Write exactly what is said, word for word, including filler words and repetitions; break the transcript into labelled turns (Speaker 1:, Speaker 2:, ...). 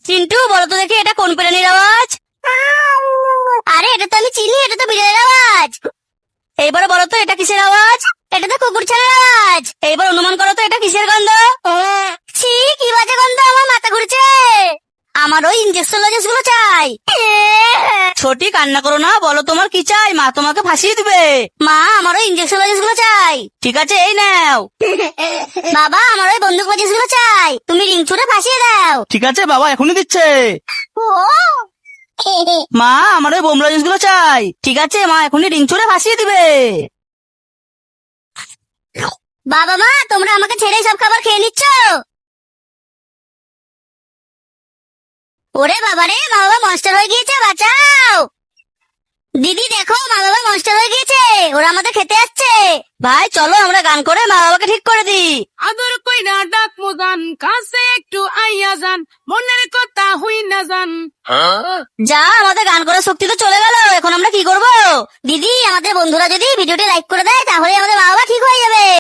Speaker 1: চিন্টু বলো তো দেখি এটা কোন প্রাণীর আওয়াজ? আরে এটা তো আমি চিনি, এটা তো বিড়ালের আওয়াজ। এইবার বলো তো এটা কিসের আওয়াজ? এটা তো কুকুর ছানার আওয়াজ। এইবার অনুমান করো তো এটা কিসের গন্ধ? ছি, কি বাজে গন্ধ, আমার মাথা ঘুরছে। আমার ওই ইঞ্জেকশন লজেন্স গুলো চাই। ছোটি কান্না করো না, বলো তোমার কি চাই, মা তোমাকে ফাঁসিয়ে দিবে। মা আমার ওই ইঞ্জেকশন লজেন্স গুলো চাই। ঠিক আছে এই নাও। বাবা আমার ওই বন্দুক লজেন্স গুলো চাই, তুমি রিং ছুড়ে ফাঁসিয়ে দাও।
Speaker 2: ঠিক আছে বাবা এখনই দিচ্ছে। মা আমার ওই বোম লজেন্স গুলো চাই।
Speaker 1: ঠিক আছে মা এখনই রিং ছুড়ে ভাসিয়ে দিবে। বাবা মা তোমরা আমাকে ছেড়ে সব খাবার খেয়ে নিচ্ছ। ওরে বাবা রে, মা বাবা মনস্টার হয়ে গিয়েছে, বাঁচাও। দিদি দেখো মা বাবা মনস্টার হয়ে গিয়েছে, ওরা আমাদের খেতে আসছে। ভাই চলো আমরা গান করে মা বাবাকে ঠিক করে দিই।
Speaker 3: আদর কইরা ডাক মোজান, কাছে একটু আইয়া যান, মনের কথা হই না যান।
Speaker 1: যা আমাদের গান করার শক্তি তো চলে গেল, এখন আমরা কি করব? দিদি আমাদের বন্ধুরা যদি ভিডিওটি লাইক করে দেয় তাহলে আমাদের